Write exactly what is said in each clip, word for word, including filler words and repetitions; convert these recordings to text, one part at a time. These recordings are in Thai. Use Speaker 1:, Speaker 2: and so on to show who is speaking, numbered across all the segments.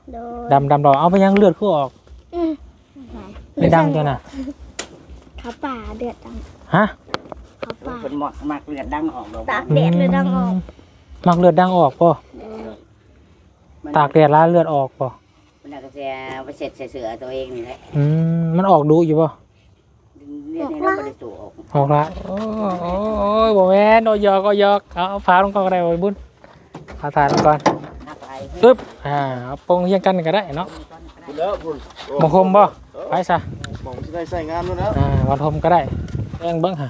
Speaker 1: ดำดำดอกเอาไปยังเลือดขึ้นออกไม่ดังจังนะ
Speaker 2: ขาป่าเดือดดัง
Speaker 1: ฮะ
Speaker 2: ขาป่า
Speaker 3: เป็นหมอกมากเลือดดังออก
Speaker 2: ตากแดดเลยดังออก
Speaker 1: มักเลือดดังออกป่ะตากแดดแล้วเลือดออกป่ะ
Speaker 3: มันก็จะไปเสร็จเสือตัวเองนี่แหละ
Speaker 1: อืมมันออกดูอยู่ป่ะ
Speaker 3: เลือดนี่เราไม่ได้สูบออก
Speaker 1: ออกละโอ้โอ้ยบ่แม่นโอยอกโอยอกเอาฟ้าลงก่อนก็ได้บ่บุญฟ้าถ่ายลงก่อนปึ๊บอ่าเอาปงเฮียงกันก็ได้เนาะมงคมบ่ไปซะ
Speaker 4: มองจะได้ใส่งานแล้วนะ
Speaker 1: อ่าวันทมก็ได้แองเบิ้งฮะ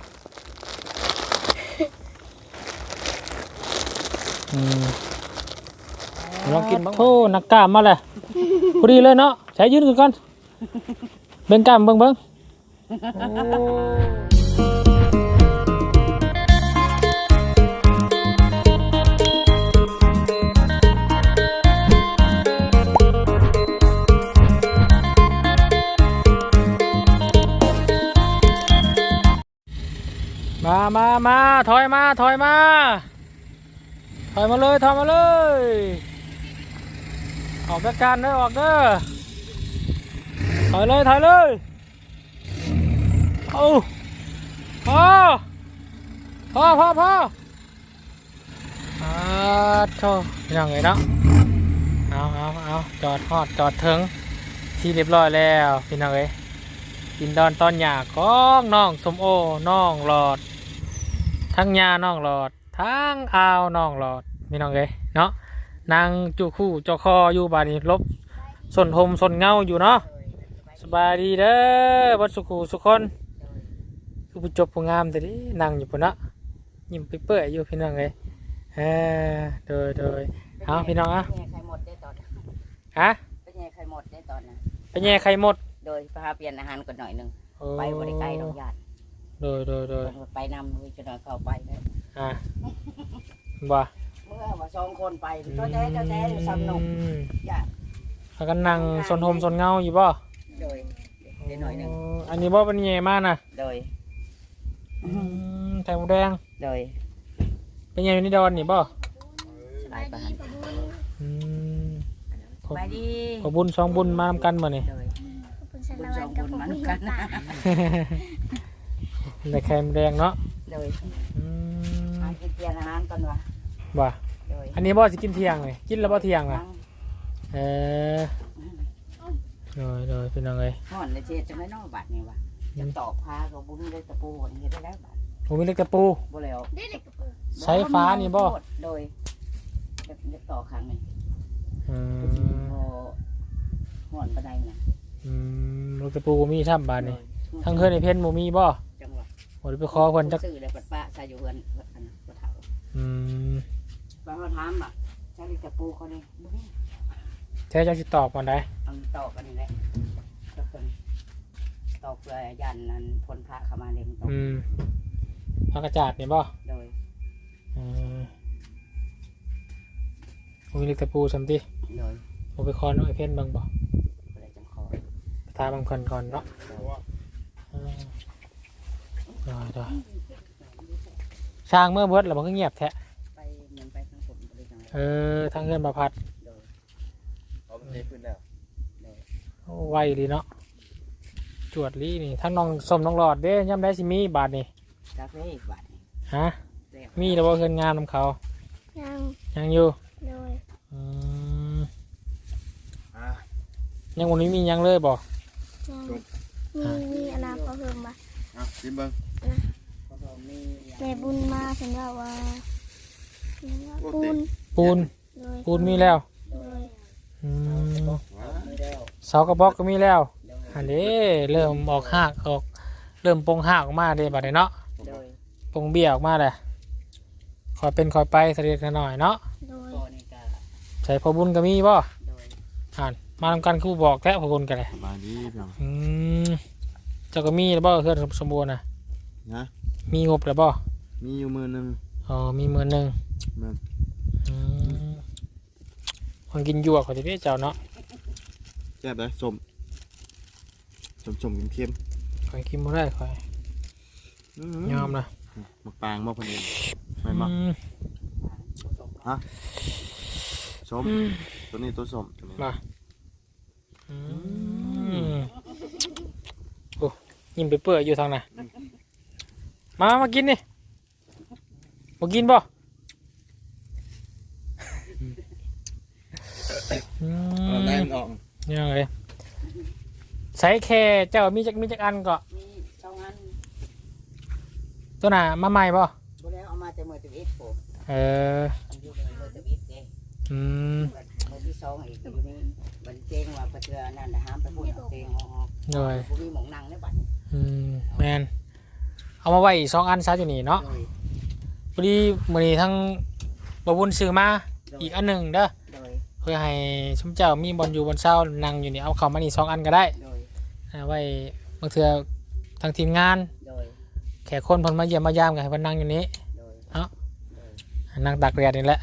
Speaker 1: อืมลองกินบ้างโอ้นักกล้ามมาเลยพอดีเลยเนาะใช้ยืนกันก่อนเบ่งกล้ามเบิ้งเบิ้งมามามาถอยมาถอยมาถอยมาเลยถอยมาเลยออกจากการเด้อออกเด้อถอยเลยถอยเลยเอาพอพอพอพออ่าโธ่ยังไงเนาะเอาเอาเอาจอดฮอดจอดถึงที่เรียบร้อยแล้วพี่น้องเอ้ยกินดอนตอนหยาของน้องสมโอน้องหลอดทั้งยาน้องหลอดทั้งอาวน้องหลอดพี่น้องเอ้ยเนาะนางจูคู่จอคออยู่บ้านนี้ลบสนหมสนเงาอยู่เนาะสบายดีเด้อวัดสุขุสุคนคือผู้จบผู้งามแต่ดินั่งอยู่ปุ่นนะยิ้มเปื่อยอยู่พี่น้องเอ้ยเออโดยโดยเอาพี่น้องอ่ะฮะ
Speaker 3: ไปแย่ไข่หมดได้ตอนนั้น
Speaker 1: ไปแย่ไข่หมด
Speaker 3: โดยพาเปลี่ยนอาหารก่อนหน่อยหนึ่งไปบริไกลดอกหยาด
Speaker 1: โดยโดยโดย
Speaker 3: ไปนำเลยจะหน่อยเข้าไปเลย
Speaker 1: อ่าว่า
Speaker 3: เมื่อว่าสองคนไปเจ้าแท้เจ้าแท้สนุกอยาก
Speaker 1: พากันนั่งสนหมสนเงาอยู่บ่
Speaker 3: โดยเดี๋ยวหน่อยหนึ่ง
Speaker 1: อันนี้บ่เป็นแย่มากนะ
Speaker 3: โดย
Speaker 1: แถวแดง
Speaker 3: โดย
Speaker 1: เป็นแย่อยู่ในดอนนี่บ่
Speaker 3: สบายปานสบายดี
Speaker 1: ขอบุญสองบุญมาทำกันมาเนี่ย
Speaker 3: บุญสองบุญมาทำกันนะ
Speaker 1: ในแคมแดงเนาะ
Speaker 3: โดยอากินเทียงอาหารก่อนวะ
Speaker 1: บ่อันนี้บ่จะกินเที่ยงเลยกินแล้วบ่เที่ยงอ่ะเออโดยโดยเป็นยังไง
Speaker 3: ห่อนเลยเจ๊จะไม่นอกบัตรนี่วะจะตอกพากับบุญเลยตะปูนี่ได้แล้วบัตร
Speaker 1: ผมมีเล็กตะปู
Speaker 3: บ่แล้ว
Speaker 1: ใช้ฟ้านี่บ่
Speaker 3: โดยจะต่อครั้งนึง
Speaker 1: อืม
Speaker 3: ห่อนปะไดเนี่ย
Speaker 1: อืมลูกตะปูมีช่ำบานนี่ทั้งเคยในเพ่นโมมีบ่
Speaker 3: จังหวะ
Speaker 1: โอ้ยไปคอคนจัก
Speaker 3: ซื้อเลยปัดป้าใส่อยู่เฮือนอันกระเถา
Speaker 1: อืม
Speaker 3: บางคนถามอ่ะใช้ตะปูเขาเนี่ย
Speaker 1: ใช้จะติดตอบก่อนได้
Speaker 3: เอาตอกกันนี่แหละตอกเลยยันนั้นพลพระเข้ามาเล่นตอก
Speaker 1: อืมพระกระจาดนี่บ่
Speaker 3: โดย
Speaker 1: อืมมีลูกตะปูสัมติ
Speaker 3: โดย
Speaker 1: ผมไปคอนไอเพ่นบางบ่
Speaker 3: อะไรจังคอ
Speaker 1: ตาบางคนก่อนเนาะได้ได้ช่างเมื่อเบิดแล้วมันก็เงียบแท้
Speaker 3: ไปเหมือนไปทางผม
Speaker 1: เออทางเงินประพัด
Speaker 4: เอาไปพื้นแล้ว
Speaker 1: ไวดีเนาะจวดลีนี่ทั้งน้องสมน้องหลอดเด้ย่ำได้สิมีบาทนี่
Speaker 3: กาแฟอีกบาท
Speaker 1: ฮะมีแต่ว่าเงินงานของเขา
Speaker 2: ยัง
Speaker 1: ยังอยู่
Speaker 2: เลย
Speaker 1: อืมยังวันนี้มียังเลยบอก
Speaker 2: มีมีอนาคตเพิ่มมา
Speaker 4: อ่ะชิมเบิ้ง
Speaker 2: แม่บุญมาฉันว่าว่าปูน
Speaker 1: ปูนปูนมีแล้วเสากระบอกก็มีแล้วอันนี้เริ่มออกหักออกเริ่มปงหักออกมาเด้บัดนี้เนาะปงเบี้ยออกมาเลยคอยเป็นคอยไปเสด็จกันหน่อยเนาะใส่พอบุญก็มีบ่อ่านมาทำกันคู่บอกแท้พอบุญกันเลย
Speaker 4: มาดีเพียง
Speaker 1: อืมเจ้าก็มีแล้วบ่เพื่อนสมบูรณ์นะ
Speaker 4: นะ
Speaker 1: มีงบแล้วบ่
Speaker 4: มีอยู่มือหนึ่ง
Speaker 1: อ๋อมีมือหนึ่ง
Speaker 4: มัน
Speaker 1: อืมคนกินยั่วเขาจะได้เจ้าเนาะ
Speaker 4: แซ่บเลยสมสมสมเค็ม
Speaker 1: คอยกินไม่ได้คอยยอมนะ
Speaker 4: หมักปางมาคนเดียวไม่มาฮะสมตัวนี้ตัวสมตัวนี้
Speaker 1: มาอืมโอ้ยิ้มไปเปื่อยอยู่ทางไหนมามากินนี่มากินบ่อื
Speaker 4: เอาได้
Speaker 1: ม
Speaker 4: มันออก
Speaker 1: ยังไงใส่แค่เจ้ามีจักมีจักอันก็
Speaker 3: มีสองอัน
Speaker 1: ตัวน่ะมาใหม่บ่
Speaker 3: บ่แล้วเอามาแต่มือตะวิดโผ
Speaker 1: เออ
Speaker 3: อันอยู่ในมือตะวิดเด้
Speaker 1: อืม
Speaker 3: มือที่สองอีกอยู่นี่บันเจงว่าประเทือนั่นน่ะห้ามไปพูดเอาเจงออก
Speaker 1: โดย
Speaker 3: บ่มีหมองนั่งในบัดนี้
Speaker 1: อืมแมนเอามาไว้อีกสองอันซะอยู่นี่เนาะ
Speaker 3: โดย
Speaker 1: พอดีมื้อนี้ทั้งบบุญซื้อมาอีกอันหนึ่งเด้อ
Speaker 3: โดย
Speaker 1: เพื่อให้ชุมเจ้ามีบอลอยู่บนเสานั่งอยู่นี่เอาเข้ามานี่สองอันก็ได้
Speaker 3: โดย
Speaker 1: เอาไว้บางเทื่อทางทีมงาน
Speaker 3: โดย
Speaker 1: แขกคนเพิ่นมาเยี่ยมมายามกันให้เพิ่นนั่งอยู่นี้
Speaker 3: โดย
Speaker 1: เอ้า
Speaker 3: โดย
Speaker 1: นั่งตากแดดนี่แหละ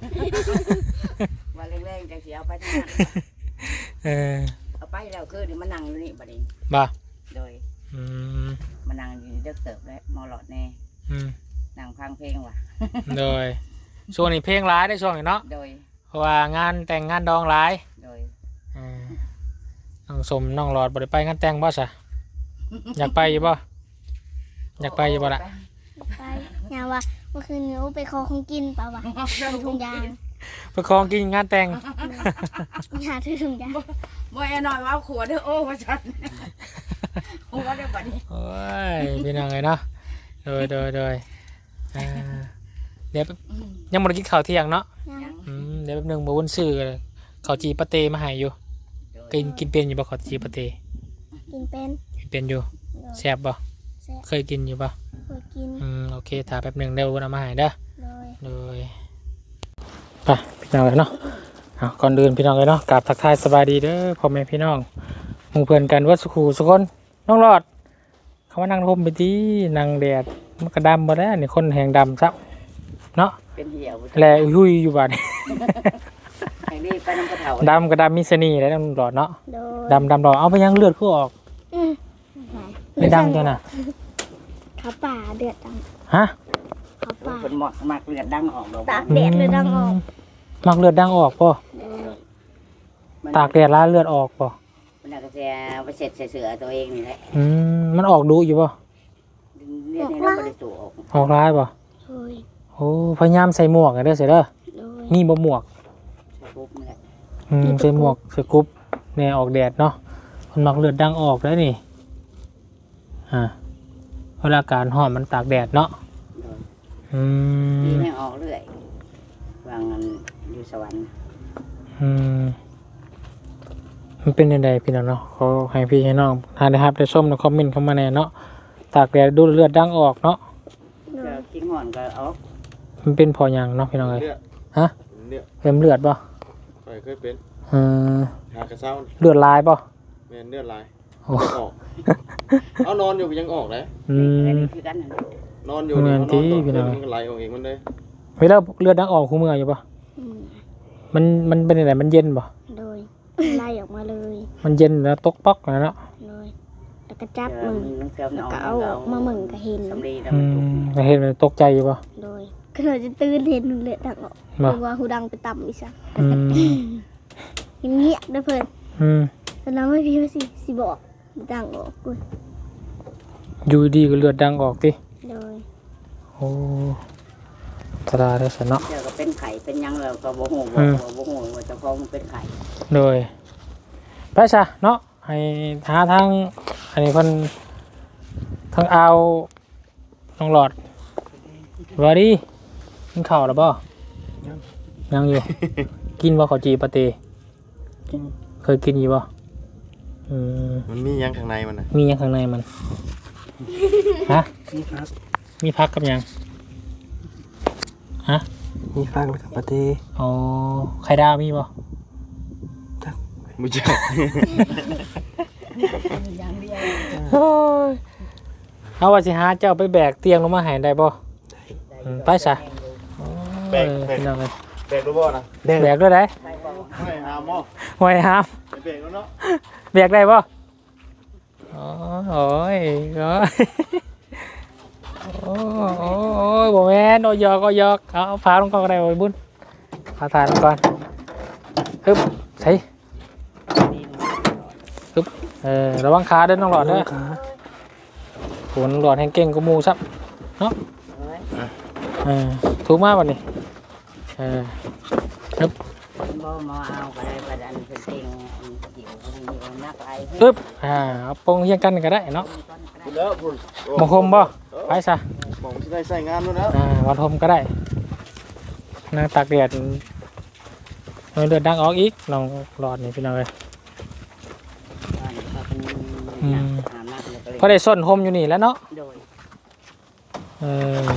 Speaker 3: ว่าแรงๆจังสิเอาไปทางนั้น
Speaker 1: เออ
Speaker 3: เอาไปแล้วคือนี่มานั่งอยู่นี่บัดนี้
Speaker 1: บ่า
Speaker 3: โดย
Speaker 1: อืม
Speaker 3: มานั่งอยู่นี่เด็กเติบแล้วมอหลอดแน่
Speaker 1: อืม
Speaker 3: นั่งฟังเพลงว่ะ
Speaker 1: โดยช่วงนี้เพลงร้ายได้ช่วงนี้เนาะ
Speaker 3: โดย
Speaker 1: เพราะว่างานแต่งงานดองร้าย
Speaker 3: โดย
Speaker 1: อ่าน้องสมน้องหลอดบ่ได้ไปงานแต่งบ่ซะอยากไปอยู่บ่อยากไปอยู่บ่ล่ะ
Speaker 2: ไปยาว่าเมื่อคืนหนูไปขอของกินเปล่าวะถือถุงยาง
Speaker 1: ไปคองกินงานแต่ง
Speaker 2: ยาถือถุงยาง
Speaker 3: บ่ไอ้น้อยว่าขวดเด้อโอ้ว่าฉันโอ้ว่าเด้อบัดนี้
Speaker 1: โอ้ยพี่น้องไงเนาะโดยโดยโดยอ่าเดี๋ยวยังบ่ได้กินข้าวเที่ยงเนาะ
Speaker 2: ยัง
Speaker 3: ยัง
Speaker 1: อืมเดี๋ยวแป๊บหนึงบ่วนซื้อข้าวจีปะเตมาให้อยู่
Speaker 3: โดย
Speaker 1: กินกินเป็นอยู่บ่ข้าวจีปะเต
Speaker 2: กินเป็น
Speaker 1: กินเป็นอยู่
Speaker 2: โดย
Speaker 1: แซ่บบ่
Speaker 2: แซ่บ
Speaker 1: เคยกินอยู่บ่
Speaker 2: เคยกิน
Speaker 1: อืมโอเคถ้าแป๊บหนึงเดี๋ยววนเอามาให้เด้อ
Speaker 2: โดย
Speaker 1: โดยไปพี่น้องเลยเนาะเอาก่อนเดินพี่น้องเลยเนาะกราบทักทายสบายดีเด้อพ่อแม่พี่น้องหมู่เพื่อนกันวัดสุขูสุคนน้องรอดเขามานั่งร่มไปที่นั่งแดดมันก็ดำหมดแล้วนี่คนแหงดำซับเนาะ
Speaker 3: เป็นเหี่ยว
Speaker 1: แลอุ้ยอยู่บ้าน
Speaker 3: ให้รีบไปน้ำกระเถา
Speaker 1: ดำก็ดำมีเสน่ห์แล้วน้องรอดเนาะ
Speaker 2: โดย
Speaker 1: ดำดำรอดเอาไปยังเลือดขึ้นออก
Speaker 2: อืม
Speaker 1: ไม่ดำจ้ะน่ะ
Speaker 2: ขาป่าเดือดดัง
Speaker 1: ฮะ
Speaker 2: ขาป่า
Speaker 3: เป็นหมอกมากเลือดดังออกดอก
Speaker 2: ตากแดดเลยดังออก
Speaker 1: มักเลือดดังออกป่ะ
Speaker 2: โดย
Speaker 1: ตากแดดแล้วเลือดออกป่ะ
Speaker 3: มันก็จะไปเสร็จเสือตัวเองนี่แหละ
Speaker 1: อืมมันออกดูอยู่ป่ะ
Speaker 3: เลือดนี่เราบริสุทธิ์ออก
Speaker 1: ออกร้ายป่ะ
Speaker 2: โดย
Speaker 1: โอ้พยายามใส่หมวกกันเด้อเสียเด้อ
Speaker 2: โดย
Speaker 1: มีบ่หมวก
Speaker 3: ปุ๊บนี่แหละ
Speaker 1: อืมใส่หมวกใส่กรุ๊ปเนี่ยออกแดดเนาะมันมักเลือดดังออกแล้วนี่อ่าเวลาการห่อมันตากแดดเนาะ
Speaker 3: โดย
Speaker 1: อื
Speaker 3: ดี
Speaker 1: ม
Speaker 3: ไม่ออกเรื่อยวางเงินอยู่สวรรค์
Speaker 1: อืมมันเป็นยังไงพี่น้องเนาะเขาให้พี่ให้น้องทานได้ครับได้ส้มในคอมเมนต์เข้ามาแน่เนาะตากแดดดูเลือดดังออกเนาะ
Speaker 2: โด
Speaker 3: ก็
Speaker 2: ย
Speaker 3: กิ้งห่อนก็ออก
Speaker 1: มันเป็นพออย่างเนาะพี่น้องเอ้ย
Speaker 4: เลือด
Speaker 1: ฮะ
Speaker 4: เลือด
Speaker 1: เพิ่มเลือดป่ะ
Speaker 4: ไปเคยเป็น
Speaker 1: อืม
Speaker 4: หากระเซ้านี่
Speaker 1: เลือดลายป่ะ
Speaker 4: แม่นเลือดลาย
Speaker 1: โอ้
Speaker 4: ออกเอานอนอยู่ยังออกเลย
Speaker 1: อื
Speaker 3: อัน
Speaker 1: ม
Speaker 3: นี้คือกันนั่น
Speaker 4: นอนอยู่เนี่ย
Speaker 1: เหมื
Speaker 4: น
Speaker 1: อน
Speaker 4: อน
Speaker 1: ที่
Speaker 4: ต่อ
Speaker 1: พี่
Speaker 4: เลื
Speaker 1: น้
Speaker 4: อ
Speaker 1: อ
Speaker 4: ด
Speaker 1: ง
Speaker 4: มันก็ไหลออกเองมันเลย
Speaker 1: เวลาเลือดดังออกคู่มืออยู่ป่ะ
Speaker 2: อืม
Speaker 1: มันมันเป็นยังไงมันเย็นป่ะ
Speaker 2: โดยไล่ออกมาเลย
Speaker 1: มันเย็นแล้วตกป๊อกนะเนาะ
Speaker 2: โดยแล้วก็จับ
Speaker 3: เอ
Speaker 2: มื
Speaker 3: อ
Speaker 2: อ
Speaker 3: มันเสื่อม
Speaker 2: แล้ว
Speaker 3: นอน
Speaker 2: ก็เอาออกมามึงก็เห็น
Speaker 3: สำลีแล้ว
Speaker 1: อื
Speaker 3: มันจุก
Speaker 1: มเห็นมันตกใจอยู่ป่ะ
Speaker 2: โดยก็เลยจะตื่นเห็นเลือดดังออก
Speaker 1: บ่
Speaker 2: คือว่าหูดังไปต่ำอีกสัก
Speaker 1: อืม
Speaker 2: เงียบๆเด้อเพิ่น
Speaker 1: อืม
Speaker 2: แต่เราไม่พี่ว่าสิสิบอกดังออกกู
Speaker 1: อยู่ดีก็เลือดดังออกติ
Speaker 2: โดย
Speaker 1: โอ้ตราได้สนเนาะ
Speaker 3: เดี๋ยวก็เป็นไข่เป็นหยังเราก็บ่ฮู้
Speaker 1: อื
Speaker 3: บ่
Speaker 1: ม
Speaker 3: บ่ฮู้ว่าเจ้าของมันเป็นไข่
Speaker 1: โดยไปซะเนาะให้หาทางอันนี้เพิ่นทางเอาน้องหลอดว่าดีกินข้าวแล้วบ่ยังอยู่ กินบ่ข้าวจีปะเตเคยกินอยู่บ่อืม
Speaker 4: มันมีหยังข้างในมันน่ะ
Speaker 1: มีหยังข้างในมัน ฮะ
Speaker 4: มีพัก
Speaker 1: มีพักกับหยัง ฮะ
Speaker 4: มีพักแล้วกับปะเต้
Speaker 1: อ๋อ ไข่ดาวมีบ่
Speaker 4: ไม่ใช่
Speaker 3: อย่างเดียว
Speaker 1: โอ้ยเอาว่าสิหาเจ้าไปแบกเตียงลงมาให้ได้บ่ อืมไปซะ
Speaker 4: แบก
Speaker 1: เออ
Speaker 4: แบก
Speaker 1: พี่น้องเอ้ย
Speaker 4: แบกรู้บ่นะ
Speaker 1: แบกด้วยได้
Speaker 3: ไปบ่
Speaker 4: ไม่หาหม้อ
Speaker 1: ไว้ห้าม
Speaker 4: ไปแบกแล้วเนาะ
Speaker 1: แบกได้บ่อ๋อโอ้ยโอ้ยโอ้ยโอ้ยบ่แม่นโอ้ยหยอกโอ้ยหยอกเอาเอาพาลงก่อนก็ได้โอ้ยบุญพาถ่ายลงก่อนฮึบใส่ฮึบเออระวังขาเด้อน้องหลอดเด้อโหน้องหลอดแห่งเก่งกูมูซับเนาะเออถูกมากวันนี้เออฮึบ
Speaker 3: บ่มาเอาไปไปดันเป็นเต็งเกี่ยวกับนี่นักไอ้
Speaker 1: ฮึบอ่าเอาปงเฮียงกันก็ได้เนาะ
Speaker 4: คุณแล้วคุณ
Speaker 1: มงคมบ่ไปซะ
Speaker 4: ผมจะได้ใส่งานแล้วนะ
Speaker 1: อ่าวันทมก็ได้นางตากแดดน้อยเลือดดังออกอีกน้องหลอดนี่พี่น้องเลยพอได้ส้นหมอยู่นี่แล้วเนาะ
Speaker 3: โดย
Speaker 1: เออ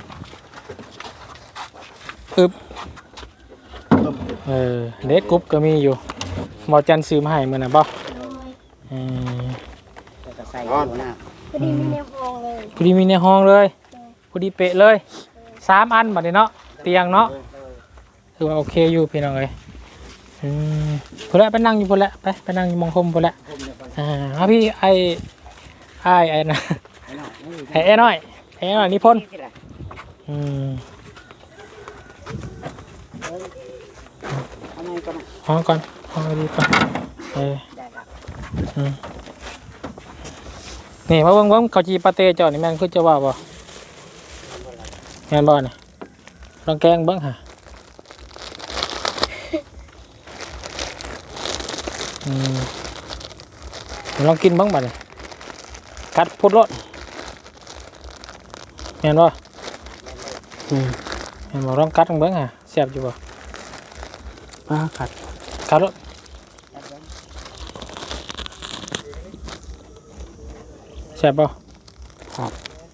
Speaker 1: อึบเออเล็กกรุ๊ปก็มีอยู่หมอจันซื้อมาให้มื้อน่ะบ่เออ
Speaker 3: จะใส่หัวหน้า
Speaker 2: พอดีมีในห้องเลย
Speaker 1: พอดีมีในห้องเลยพอดีเป๊ะเลยสามอันบัดนี้เนาะเตียงเนาะคือว่าโอเคอยู่พี่น้องเอ้ยอืมพุ่นละไปนั่งอยู่พุ่นละไปไปนั่งอยู่หมองคมพุ่นละอ่าเอาพี่ไอ้ไอ้ไอ้นะไอ้ไอ้น้อยไอ้น้อยนิพนธ์อืม
Speaker 3: เอาไงก่อน
Speaker 1: ห้องก่อนห้องดีก่อนเออ
Speaker 3: ได้ครับ
Speaker 1: อืมนี่มาเบิ่งเบิ่งเขาจีปาเต้เจ้านี่แม่นคือจะว่าบ่แม่นบ่นี่ลองแกงเบิ่งหะอืมลองกินเบิ่งบัดนี่กัดพุดรสแม่นบ่อืมแม่นบ่ลองกัดเบิ่งหะแซ่บอยู่บ่ปลากัดกัดรสแซ่บบ่ครับ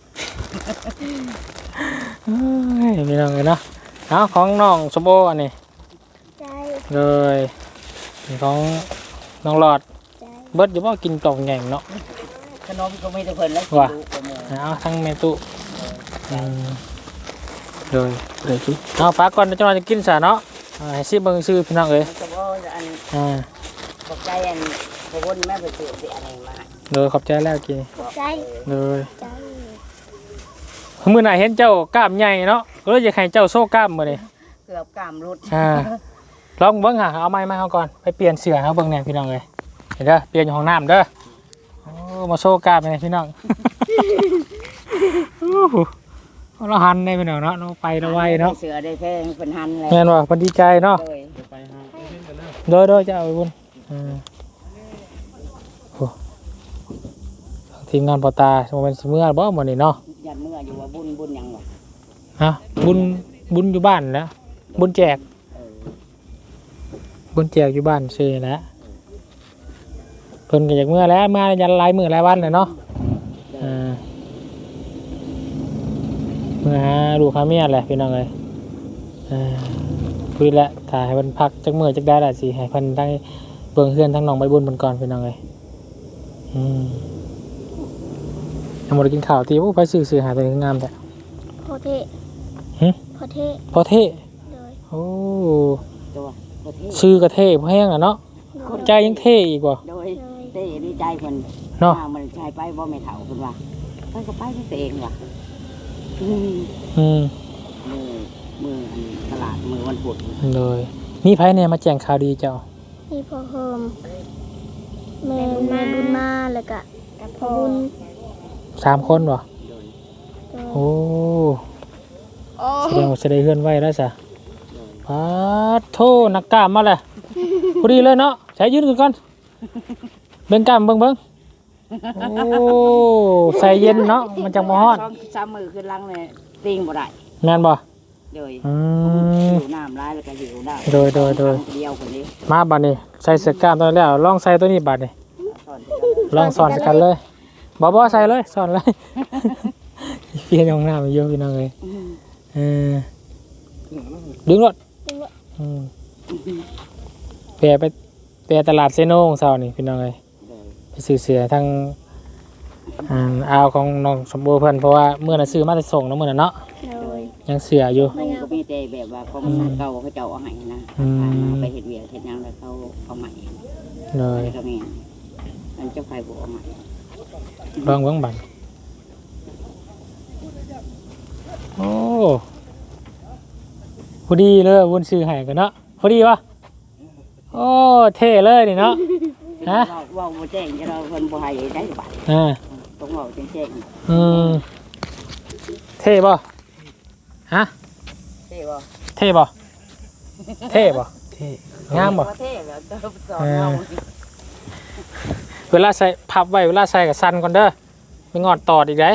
Speaker 1: เฮ้ยพี่น้องเลยเนาะเอาของน้องสมโออันนี้
Speaker 2: ใจ
Speaker 1: เลยนี่ของน้องหลอด
Speaker 2: ใจ
Speaker 1: เบิดอยู่บ่กินกล่องใหญ่เนาะ
Speaker 3: ขนมก็ไม่ได้เพิ่นแล้ว
Speaker 1: ว่ะ
Speaker 3: ดูกระโมง
Speaker 1: เอาทั้งเมตุอืมเลยเลยสิเอาฝากก่อนเดี๋ยวเจ้าหน้าจะกินซะเนาะเอาให้ซิเบิ่งซื้อพี่น้องเอ้ย
Speaker 3: มันก็บ่อัน
Speaker 1: อ่า
Speaker 3: ตกใจอันพวนแม่ไปซื้อสิอะไรมา
Speaker 1: เลยขอบใจแล้วกิน
Speaker 2: ใจ
Speaker 1: เลย
Speaker 2: ใจ
Speaker 1: มื้อหน้าเห็นเจ้ากล้ามใหญ่เนาะก็เลยอยากให้เจ้าโซ่กล้ามมื้อนี้
Speaker 3: เกือบกามรุด
Speaker 1: อ่าลองเบิ่งหาเอาไม้มาเฮาก่อนไปเปลี่ยนเสื้อเฮาเบิ่งแหน่พี่น้องเอ้ยเห็นเด้อเปลี่ยนอยู่ห้องน้ำเด้อโอ้มาโซ่กล้ามแหน่พี่น้องโอ้โหเราหันได้พี่น้องเนาะเราไปเราไวเนาะ
Speaker 3: เสือได้แพงเป็นหันเลย
Speaker 1: แม่นว่าเพิ่นดีใจเนาะ
Speaker 3: โดย
Speaker 1: โดยโดยจะเอาไปบุญอ่าโอ้ทีมงานปอตาโมเป็นสิเมื่อบ่หมดนี่เนาะ
Speaker 3: ยันเมื่ออยู่ว่าบุญบุญหยังวะ
Speaker 1: ฮะบุญบุญอยู่บ้านแล้วบุญแจก
Speaker 3: เออ
Speaker 1: บุญแจกอยู่บ้านซื้อแหล้วเพิ่นก็อยากเมื่อแล้วมายันหลายมื้อหลายวันเลยเนาะอ่าเมื่อหาลูกหาเมียแหละพี่น้องเอ้ยอ่าคุยแล้วถ้าให้เพิ่นพักจักมื้อจักได้ล่ะสิให้เพิ่นได้เบิ่งเฮือนทั้งน้องใบบุญเพิ่นก่อนพี่น้องเอ้ยอืมยังบ่ได้กินข้าวติโอ้ไปซื้อซื้อหาตัวนี้งามแท้
Speaker 2: พอเท
Speaker 1: หึ
Speaker 2: พอเท
Speaker 1: พอเท่
Speaker 2: เลย
Speaker 1: โอ้
Speaker 3: ตัวประเทศ
Speaker 1: ชื่อกระเท่พอแห้งอ่ะเนาะใจยังเท่อีกว่ะ
Speaker 3: โดยเต้ดีใจคน
Speaker 1: เนาะ
Speaker 3: มันชายไปบ่ไม่เถ่าคนว่าไปก็ไปด้วยตัวเองว่ะอืม
Speaker 1: อืม
Speaker 3: มือมืออันตลาดมือวันพุธ
Speaker 1: เลยมีไผเนี่ยมาแจ้งข่าวดีเจ้า
Speaker 2: นี่พอเฮิมแม่แม่บุญมาแล้วก็พอบุญ
Speaker 1: สามคนวะ
Speaker 3: โดย
Speaker 1: โอ้
Speaker 2: โอ้
Speaker 1: แสดงว่าจะได้เฮือนไว้แล้วจ้ะปาดโทนักกล้ามมาเลยพอดีเลยเนาะใช้ยืนกันก่อนเบิ่งกล้ามเบิ่งเบิ่งโอ้ใส่เย็นเนาะมันจังบ่ฮ้อน
Speaker 3: สองสามมือขึ้นลังเลยติงบ่ได้
Speaker 1: แม่นบ่
Speaker 3: โดย
Speaker 1: อืม
Speaker 3: หิวน้ำร้ายแล้วก็หิวน้ำ
Speaker 1: โดยโดยโดย
Speaker 3: เดียวคนนี้
Speaker 1: มาบัดนี้ใส่เสื้อกล้ามตัวนี้แล้วลองใส่ตัวนี้บัดนี้
Speaker 3: สอนสิครับ
Speaker 1: ลองสอนกันเลยบอบอใส่เลยสอนเลย เพียนของหน้ามันเยอะพี่น้องเลย
Speaker 3: อืม
Speaker 1: เออดึงรถ
Speaker 2: ดึงรถ
Speaker 1: อืมแปรไปแปรตลาดเซโนของเสานี่พี่น้องเลย
Speaker 3: โดย
Speaker 1: ไปซื้อเสือทั้งอ่าอาวของน้องสมบูรณ์เพิ่นเพราะว่าเมื่อน่ะซื้อมาแต่ส่งเนาะมื้อน่ะเนาะ
Speaker 2: เลย
Speaker 1: ยังเสืออยู่
Speaker 3: มันก็มีแต่แบบว่าของสารเก่าเขาเจ้าเอาให้นะ
Speaker 1: อืม
Speaker 3: ผ่านมาไปเห็ดเวียกเห็ดหยังแล้วเขาเอาใหม่
Speaker 1: เลย
Speaker 3: ก็มีมันเจ้าไฟบัวเอาใหม่
Speaker 1: ลองเบิ่งบัดโอ้พอดีเลยวุ้นซื้อให้กันเนาะพอดีวะโอ้เท่เลยนี่เนาะฮะ
Speaker 3: เว้าเว้าบ่แจ้งจะเราเพิ่นบ่ให้ได้บาท
Speaker 1: อ่า
Speaker 3: ต้องเว้าแจ้ง
Speaker 1: อืมเท่บ่ฮะ
Speaker 3: ๆเท่บ่
Speaker 1: เท่บ่เท่บ่
Speaker 4: เท่
Speaker 1: งามบ่
Speaker 3: เท่แล้วเติมสอนเฮา
Speaker 1: เวลาใส่พับไว้เวลาใส่กับซันก่อนเด้อไม่งอดตอดอีกได้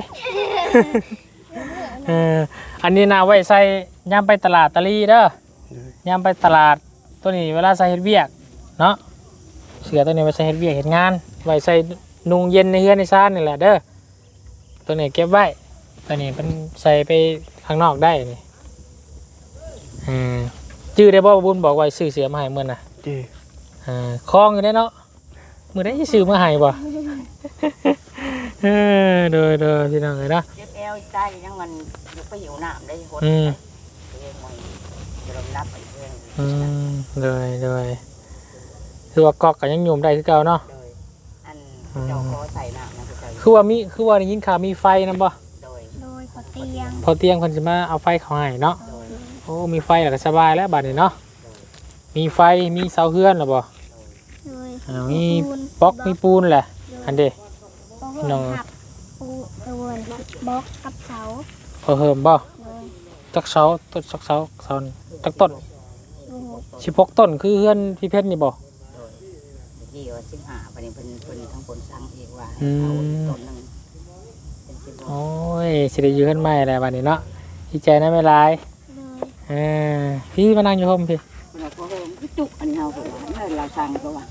Speaker 1: เอออันนี้นะไว้ใส่ย่ำไปตลาดตะลีเด้อย่ำไปตลาดตัวนี้เวลาใส่เฮ็ดเวียกเนาะเสือตัวนี้ไว้ใส่เฮ็ดเวียกเฮ็ดงานไว้ใส่นุงเย็นในเฮือนในซ่านนี่แหละเด้อตัวนี้เก็บไว้ตัวนี้เป็นใส่ไปข้างนอกได้นี่อืมจื้อได้บ่บุญบอกไว้ซื้อเสือมาให้มื้อน่ะ
Speaker 4: เจ้
Speaker 1: อ่าคล้องอยู่ได้เนาะมื้อได้สิซื้อมาให้บ่ เออโดยโดยพี่น้องเอ้ยเนาะ
Speaker 3: เจ็บแอวใต้ยังมันยกไปหิวน้ำได้หด
Speaker 1: อืม
Speaker 3: เองมันจะลงนับไปเพื่อน
Speaker 1: อืมเลยเลยคือว่ากอกกันยังโยมได้คือเก่าเนาะ
Speaker 3: โดยอันเจ้าขอใส่น้ำนะเจ้า
Speaker 1: คือว่ามีคือว่าได้ยินข่าวมีไฟนำบ่
Speaker 3: โดย
Speaker 2: โดยขอเตียง
Speaker 1: พอเตียงเพิ่นสิมาเอาไฟเข้าให้เนาะ
Speaker 3: โดย
Speaker 1: โอ้มีไฟแล้วก็สบายแล้วบัดนี้เนาะมีไฟมีเสาเฮือนแล้วบ่
Speaker 2: โดย
Speaker 1: อ่ามีบล็อกมีปูนแหละอันเด้ น้
Speaker 2: น้
Speaker 1: อ
Speaker 2: อง งปูกระวนบล็อกกับเสา
Speaker 1: พอเฮิมบ่
Speaker 2: โดย
Speaker 1: จักเสาต้นจักเสาเสาจักต้น
Speaker 2: ลูก
Speaker 1: สิบหกต้นคือเฮือนพี่เพชรนี่บ่
Speaker 3: โดยที่ว่าสิบห้าประเด็นเพิ่นเพิ่นทั้งคนสั่งเองว่า
Speaker 1: อืม
Speaker 3: เอาต้นหนึงเป็นสิบหก
Speaker 1: โอ้ยสิได้อยู่เฮือนใหม่แล้วบัดนี้เนาะดีใจนะแม่หลาย
Speaker 2: โดย
Speaker 1: เออพี่มานั่งอยู่ห่มพี่
Speaker 3: เพิ่นบอกว่าเฮ้ยมันคือจุกอันเฮาเพิ่นว่าเมื่อเราสั่งก็ว่า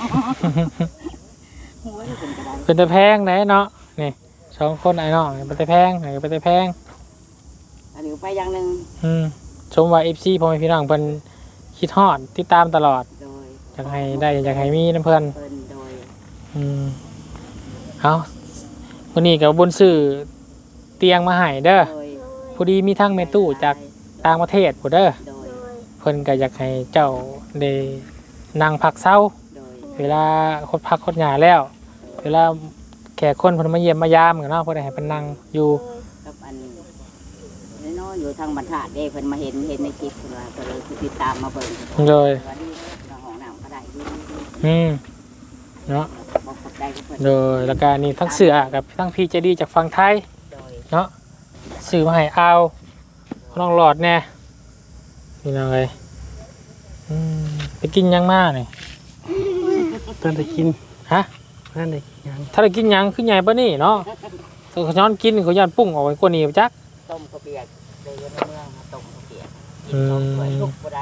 Speaker 3: หัวนี่เป็นกระได
Speaker 1: เป็นตะแพงไหนเนาะนี่สองคนไอ้น้องเป็นตะแพงไหนเป็นตะแพง
Speaker 3: อันนี้ไปอย่างหนึง
Speaker 1: อืมชมว่าเอฟซีพ่อแม่พี่น้องเพิ่นคิดฮอดติดตามตลอด
Speaker 3: โดย
Speaker 1: อยากให้ได้อยากให้มีน้ำเพิ่น
Speaker 3: เพิ่นโดย
Speaker 1: อืมเอาวันนี้กับบุญซื้อเตียงมาให้เด้อ
Speaker 3: โดย
Speaker 1: พอดีมีทั้งเมตู้จากต่างประเทศผู้เด้อ
Speaker 3: โดย
Speaker 2: โดย
Speaker 1: เพิ่นก็อยากให้เจ้าได้นั่งพักเช้า
Speaker 3: โดย
Speaker 1: เวลาคดพักคดหยาแล้ว เวลาแขกคนเพิ่นมาเยี่ยมมายามกันเนาะเพิ่นให้เพิ่นนั่งอยู่
Speaker 3: กับอันน้อยๆอยู่ทางบรรทัดเด้เพิ่นมาเห็นเห็นในคลิปเพิ่นว่าก็เลยติดตามมาเบิ่ง
Speaker 1: เลย
Speaker 3: ว่าดีเนาะห้องน้ำก็ได้ดี
Speaker 1: อืมเนาะ
Speaker 3: บ่กดได้ก็เพิ่น
Speaker 1: โดยแล้วก็นี่ทั้งเสือกับทั้งพีเจดีจากฝั่งไทย
Speaker 3: โดย
Speaker 1: เนาะซื้อมาให้เอาน้องหลอดแน่นี่นะเลยอืมไปกินยังมากนี่
Speaker 4: เพิ่นได้กิน
Speaker 1: ฮะ
Speaker 4: เพิ่นได้กินหยัง
Speaker 1: ถ้าได้กินยังขึ้นใหญ่ปะนี่เนาะตัวเขาย้อนกินเขาย้อนปุ้งออกไปกว่านี้ไปจัก
Speaker 3: ต้มข้าวเปียกเลยอยู่ในเมืองมาต้มข้าวเปียก
Speaker 1: อื
Speaker 3: กิน
Speaker 1: ม
Speaker 3: สองถ้วยลุกบ่ได้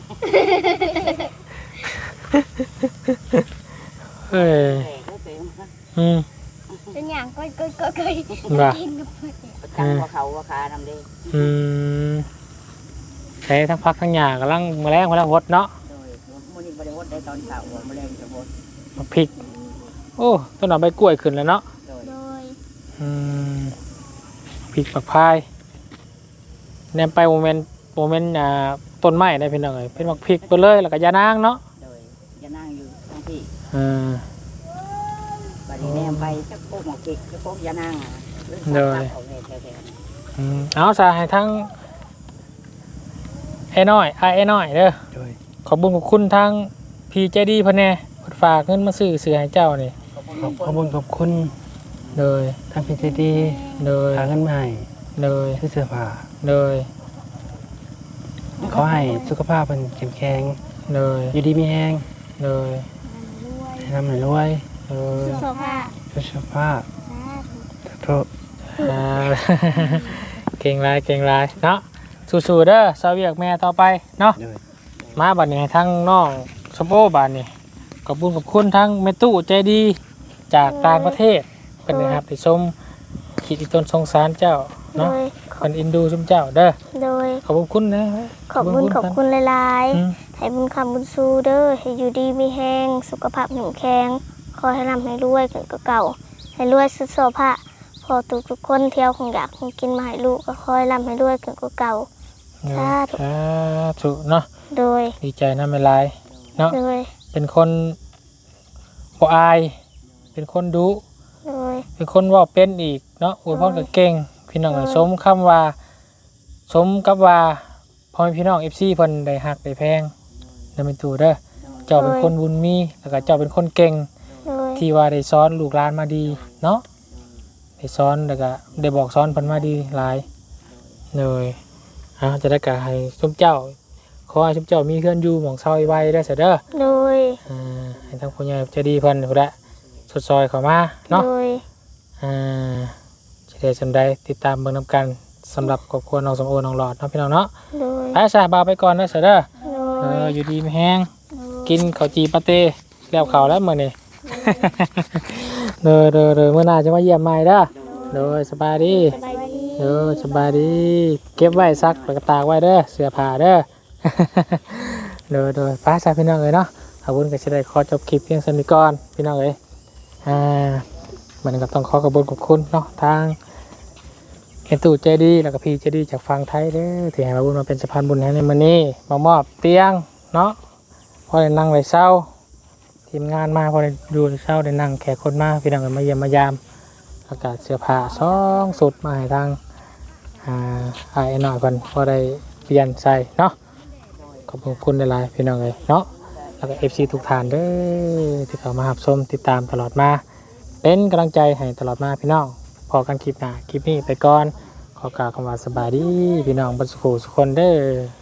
Speaker 1: เอ้ย
Speaker 3: แหม่ก็เต็ม
Speaker 1: อืม
Speaker 2: เป็นอย่างก็ก็ก็ก็
Speaker 1: ว่า
Speaker 2: กินกับเพื่อน
Speaker 3: ประจังว่าเขาว่าคานำเด้
Speaker 1: อืมใช้ทั้งพักทั้งหยากำลังแมลงแมลงวดเนาะ
Speaker 3: โดยมื้อนี้บ่ได้ฮดได้ตอนเช้าว่ามื้อแลงจะฮด
Speaker 1: มาพริก โอ้ต้นหน่อใบกล้วยขึ้นแล้วเนาะ
Speaker 3: โดย
Speaker 2: โดย
Speaker 1: อืมพริกปักพายแนมไปโมเมนต์โมเมนต์อ่าต้นไม้ได้เป็นยังไงเป็นมักพริกไปเลยแล้วก็ยานางเนาะ
Speaker 3: โดยจะนั่งอยู่ทั้งที่
Speaker 1: อ่า
Speaker 3: บัดนี้แนมไปจักโป๊กหมอกกิกจักโป๊กยานั่งอ่ะ
Speaker 1: โดย
Speaker 3: เอาแน่แท้ๆ
Speaker 1: อืมเอาซะให้ทั้งไอ้น้อยไอ้ไอ้น้อยเด้อ
Speaker 4: โดย
Speaker 1: ขอบคุญขอบคุณทั้งพีเจดีพ่อแน่เพิ่นฝากเงินมาซื้อเสื้อให้เจ้านี่
Speaker 4: ขอบขอบคุณขอบคุณ
Speaker 1: เลย
Speaker 4: ทางพี่ใจดี
Speaker 1: เลย
Speaker 4: พากันมาให้
Speaker 1: เลย
Speaker 4: ซื้อเสื้อผ้า
Speaker 1: เลย
Speaker 4: ขอให้สุขภาพเพิ่นเข้มแข็ง
Speaker 1: เลย
Speaker 4: อยู่ดีมีแรง
Speaker 1: เลย
Speaker 4: ให้ร่ำให้รวย
Speaker 1: เลย
Speaker 2: โซฟา
Speaker 4: สุขภาพโทษ
Speaker 1: อ่า เก่งหลายเก่งหลายเนาะสู้ๆเด้อสาวเวียกแม่ต่อไปเนาะ
Speaker 4: โดย
Speaker 1: มาบัดนี้ให้ทั้งน้องสมโอบัดนี้ขอบคุณขอบคุณทั้งเมตู้ใจดีจากต่างประเทศเป็นนะครับที่ชมขีดอีต้นสงสารเจ้า
Speaker 2: โด
Speaker 1: เนาะ
Speaker 2: ย
Speaker 1: เป็นอินดูชมเจ้าเด้อ
Speaker 2: โดย
Speaker 1: ขอบคุณนะ
Speaker 2: ขอบคุณขอบคุณหลาย
Speaker 1: อืม
Speaker 2: ๆให้บุญคำบุญสู้เด้อให้อยู่ดีมีแห้งสุขภาพแข็งแรงขอให้ร่ำให้รวยเกินกว่าเก่าให้รวยสุดโซภาพอทุกทุกๆคนเที่ยวคงอยากคงกินมาให้ลูกก็คอยร่ำให้รวยเกินกว่าเก่า สาธุ
Speaker 1: สาธุเนาะ
Speaker 2: โดย
Speaker 1: ดีใจนะไม่ลายเนาะ
Speaker 2: โดย
Speaker 1: เป็นคนบ่อาย เป็นคนดุ
Speaker 2: โดย
Speaker 1: เป็นคนเว่าเป็นอีกเนาะอวยพรก็เก่งพี่น้องเอ้ยสมคำว่า สมกับว่าพ่อแม่พี่น้อง เอฟ ซี เพิ่นได้ฮักได้แพงนำเป็นตู่เด้อเจ้าเป็นคนบุญมีแล้วก็เจ้าเป็นคนเก่ง
Speaker 2: โดย
Speaker 1: ที่ว่าได้สอนลูกหลานมาดีเนาะได้สอนแล้วก็ได้บอกสอนเพิ่นมาดีหลายเลยอ่าจะได้กะให้ชุมเจ้าขอให้ชุมเจ้ามีเพื่อนอยู่หม่องเซาไว้ได้อเสยเด้อ
Speaker 2: โดย
Speaker 1: อ่าให้ทางผู้ใหญ่ใจะดีเพิ่นพุ่นแหละสดซอยเข้ามาเนาะ
Speaker 2: โดย
Speaker 1: อ่าจะได้สำได้ติดตามเบิ่งนํกันสำหรับครอบครัวน้องสมโอน้องหลอดเนาะพี่น้องเนาะ
Speaker 2: โดย
Speaker 1: ไปซะบ่าวไปก่อนเด้อเสยเด้อ
Speaker 2: โด
Speaker 1: เอย ออยู่ดีมีแฮงกินข้าวจีปาเต้แล้วข้าวแล้วมื้อนี้ เด้อเด้อเด้อมื้อหน้าจะมาเยี่ยมใหม่เด้อเด้อสบายดี
Speaker 2: สบายดี
Speaker 1: เด้อสบายดีเก็บไว้ซักแล้วก็ตากไว้เด้อเสื้อผ้าเด้อ เด้อเด้อฟ้าซะพี่น้องเอ้ยเนาะขอบคุณก็สิได้ขอจบคลิปเพียงเท่านี้ก่อนพี่น้องเอ้ยอ่ามันก็ต้องขอขอบคุณขอบคุณเนาะทางเอ็นตู่ใจดีแล้วก็พี่ใจดีจากฝั่งไทยเด้อที่ให้มาบุญมาเป็นสะพานบุญให้ในมื้อนี้มามอบเตียงเนาะพอได้นั่งได้เศร้าทีมงานมาพอได้ดูได้เศร้าได้นั่งแขกคนมาพี่น้องเอ้ยมาเยี่ยมมายามอากาศเสื้อผ้าสองสุดมาให้ทางอ่าไอ้หน่อยเพิ่นพอได้เปลี่ยนใส่เนาะขอบคุณหลายๆพี่น้องเอ้ยเนาะแล้วก็ เอฟ ซี ทุกท่านเด้อที่เข้ามารับชมติดตามตลอดมาเป็นกำลังใจให้ตลอดมาพี่น้องพอกันคลิปหน้าคลิปนี้ไปก่อนขอกล่าวคำว่าสบายดีพี่น้องบรรสุขสุขคนเด้อ